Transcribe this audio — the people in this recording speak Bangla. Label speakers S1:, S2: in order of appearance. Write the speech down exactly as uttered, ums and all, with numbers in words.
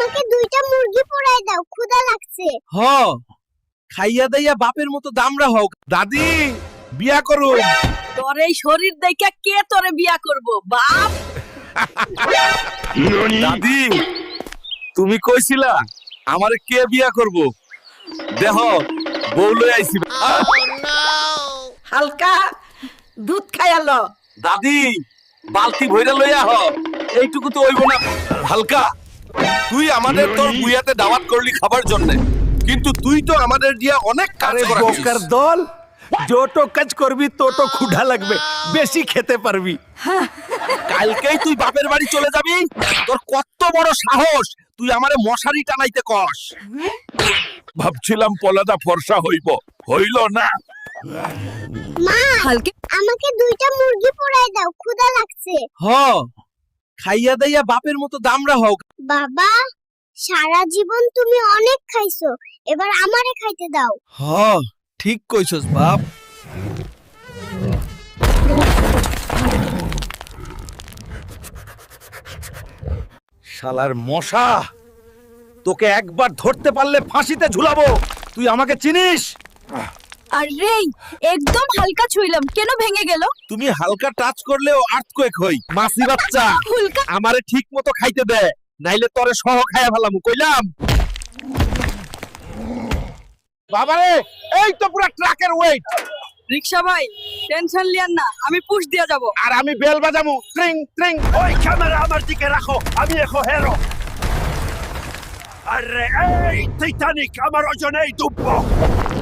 S1: আমাকে দুইটা মুরগি পোড়ায় দাও, ক্ষুধা লাগছে।
S2: হ খাইয়া দাইয়া বাপের মতো দামরা হোক। দাদি বিয়া করুন।
S3: তোর এই শরীর দেখে কে তোরে বিয়া করব বাপ?
S2: দাদি তুমি কইছিলা আমারে কে বিয়া করব? দেহ বউ লই আইছি।
S3: হালকা দুধ খাইয়ালো।
S2: দাদি বালতি ভইরা লইয়া হ, এইটুকু তো হইব না। হালকা তুই আমাদের তোর বুয়াতে দাওয়াত করলি খাবার জন্য, কিন্তু তুই তো আমাদের দিয়া অনেক কাজ করাছিস।
S4: বোকার দল, যত কাজ করবি তত ক্ষুধা লাগবে, বেশি খেতে পারবি।
S2: কালকেই তুই বাপের বাড়ি চলে যাবি? তোর কত বড় সাহস তুই আমারে মশারি টানাইতে কস? ভাবছিলাম পলাদা ফর্সা হইব, হইল না।
S1: মা,
S3: হালকা
S1: আমাকে দুইটা মুরগি পোড়ায় দাও, ক্ষুধা লাগছে।
S2: হ খাইয়া দাইয়া বাপের মতো দামরা হোক।
S1: বাবা, সারা জীবন তুমি অনেক খাইছো, এবার আমারে খাইতে দাও।
S2: হ ঠিক কইছস বাপ।
S4: শালার মশা, তোকে একবার ধরতে পারলে ফাঁসিতে ঝুলাবো। তুই আমাকে চিনিস?
S3: আরে একদম হালকা ছুইলাম, কেন ভেঙে গেল?
S2: তুমি হালকা টাচ করলেও আর্থকোয়েক হই। মাসি বাচ্চা
S3: হুলকা
S2: আমারে ঠিক মতো খাইতে দে, নাইলে তরে সহ খাইয়া ফেলামু কইলাম। বাবারে এই তো পুরো ট্রাকের ওয়েট।
S3: রিকশা ভাই টেনশন লিয়ান না, আমি পুশ দিয়া যাব।
S2: আর আমি বেল বাজামু ট্রিং ট্রিং।
S4: ওই ক্যামেরা আমার দিকে রাখো, আমি এখন হেরো। আরে এই টাইটানিক আমার ওজনেই ডুববো।